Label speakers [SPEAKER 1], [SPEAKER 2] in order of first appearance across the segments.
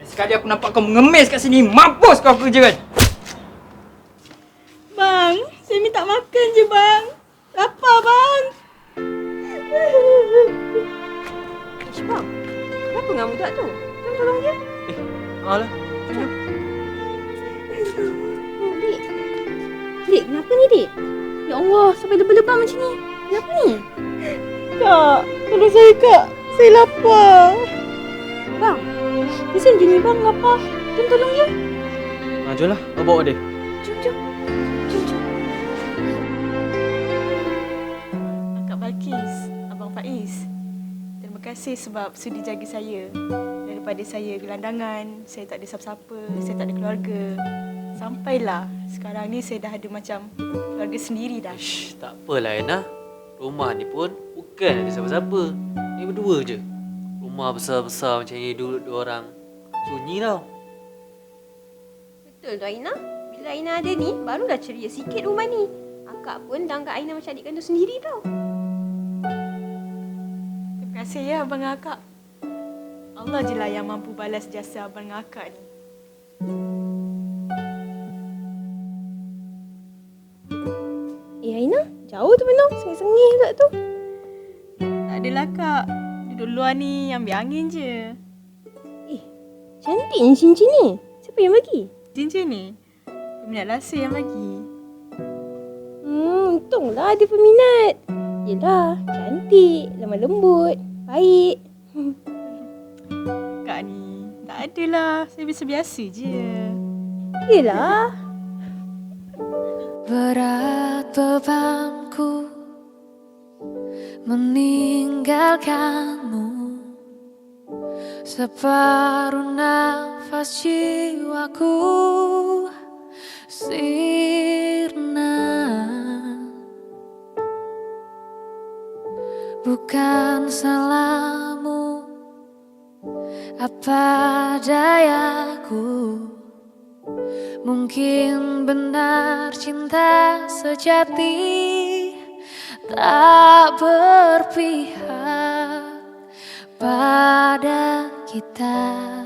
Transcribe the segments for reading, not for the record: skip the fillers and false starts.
[SPEAKER 1] Sekali aku nampak kau mengemis kat sini, mampus kau kerja kan?
[SPEAKER 2] Bang, saya minta makan je bang. Lapar bang.
[SPEAKER 3] Ish bang, kenapa dengan budak tu? Jom tolong dia.
[SPEAKER 1] Alah.
[SPEAKER 3] Dik. Dik, kenapa ni dik? Ya Allah, sampai lebam-lebam macam ni. Kenapa ni?
[SPEAKER 2] Kak, tolong saya kak. Saya lapar.
[SPEAKER 3] Bang, kesian je ni bang lapar. Jom tolong dia.
[SPEAKER 1] Jom lah, kau bawa dia.
[SPEAKER 3] Jom, jom. Jom, jom.
[SPEAKER 2] Kak Balkis, Abang Faiz. Terima kasih sebab sudi jaga saya. Daripada saya gelandangan, saya tak ada siapa-siapa, saya tak ada keluarga. Sampailah sekarang ni saya dah ada macam keluarga sendiri dah.
[SPEAKER 4] Ish, tak apalah Aina. Rumah ni pun bukan ada siapa-siapa. Ni berdua je. Rumah besar-besar macam ni duduk dua orang. Sunyi tau.
[SPEAKER 3] Betul tu Aina. Bila Aina ada ni, barulah ceria sikit rumah ni. Akak pun dah anggap Aina macam adik kandung sendiri tau.
[SPEAKER 2] Terima kasih ya abang dan akak. Allah je lah yang mampu balas jasa abang dan akak ni.
[SPEAKER 3] Aina, jauh tu Benong. Sengih-sengih pula tu.
[SPEAKER 2] Tak adalah kak. Duduk luar ni ambil angin je.
[SPEAKER 3] Cantik ni cincin ni. Siapa yang bagi?
[SPEAKER 2] Cincin ni, peminat rasa yang bagi.
[SPEAKER 3] Untunglah ada peminat. Yelah, cantik, lemah lembut, baik.
[SPEAKER 2] Kak ni, tak adalah. Saya biasa-biasa je.
[SPEAKER 3] Yelah.
[SPEAKER 5] Berat bebanku meninggalkanmu, separuh nafas jiwaku sirna. Bukan salahmu, apa dayaku. Mungkin benar cinta sejati tak berpihak pada kita.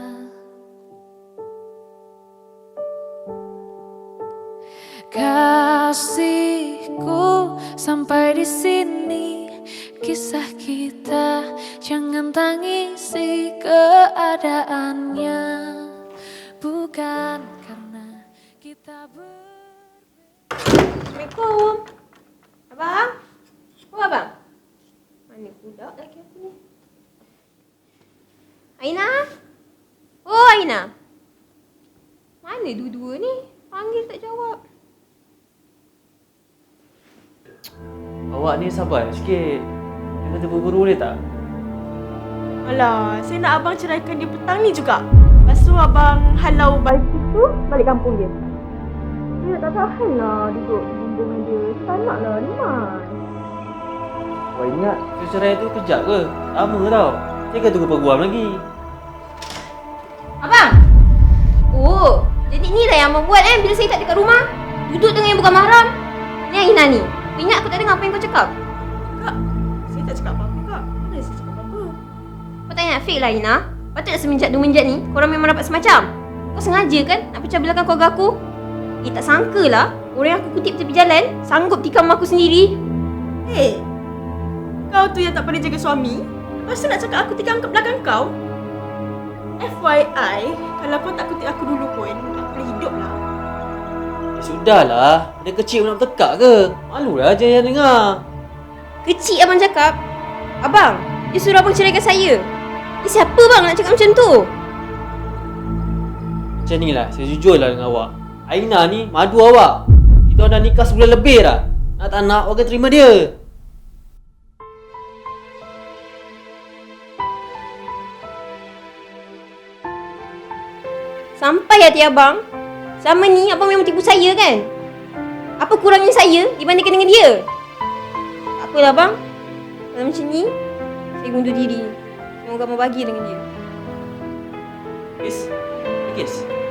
[SPEAKER 5] Kasihku, sampai di sini kisah kita. Jangan tangisi keadaannya, bukan karena kita
[SPEAKER 3] Assalamualaikum. Abang? Oh, abang? Mana budak lelaki aku ni? Aina? Oh, Aina. Mana dua-dua ni? Panggil tak jawab.
[SPEAKER 4] Awak ni sabar sikit. Jangan terburu-buru boleh tak?
[SPEAKER 2] Alah, saya nak abang ceraikan dia petang ni juga. Lepas tu abang halau Balkis tu balik kampung dia. Dia tak tahan lah duduk bumbung dengan dia. Tak nak lah, ni Mas.
[SPEAKER 4] Awak ingat cerai tu kejap ke? Lama tau. Jangan tunggu peguam lagi.
[SPEAKER 3] Abang? Oh, jadi ni lah yang abang buat bila saya tak dekat rumah. Duduk dengan yang bukan mahram. Ni Aina ni. Kau ingat aku tak dengar apa yang kau cakap?
[SPEAKER 2] Kak, saya tak cakap apa-apa kak. Mana saya cakap apa-apa?
[SPEAKER 3] Kau tak ingat fake lah Aina. Patutlah semenjak-menjak ni korang memang dapat semacam. Kau sengaja kan nak pecah belakan keluarga aku? Tak sangka lah orang yang aku kutip tepi jalan sanggup tikam aku sendiri.
[SPEAKER 2] Kau tu yang tak pandai jaga suami. Lepas tu nak cakap aku tikam kat belakang kau? FYI, kalau kau tak kutip aku dulu pun, aku boleh hidup lah.
[SPEAKER 4] Sudahlah. Benda kecil pun nak bertekak ke? Malulah je yang dengar.
[SPEAKER 3] Kecil abang cakap. Abang, dia suruh abang ceraikan saya. Siapa bang nak cakap macam tu?
[SPEAKER 4] Macam ni lah, saya jujur lah dengan awak. Aina ni madu awak. Kita dah nikah sebulan lebih dah. Nak tak nak, awak kena terima dia.
[SPEAKER 3] Sampai hati abang. Selama ni abang memang tipu saya kan? Apa kurangnya saya dibandingkan dengan dia? Tak apalah bang. Kalau macam ni, saya undur diri. Semoga abang bagi dengan dia.
[SPEAKER 4] Kiss.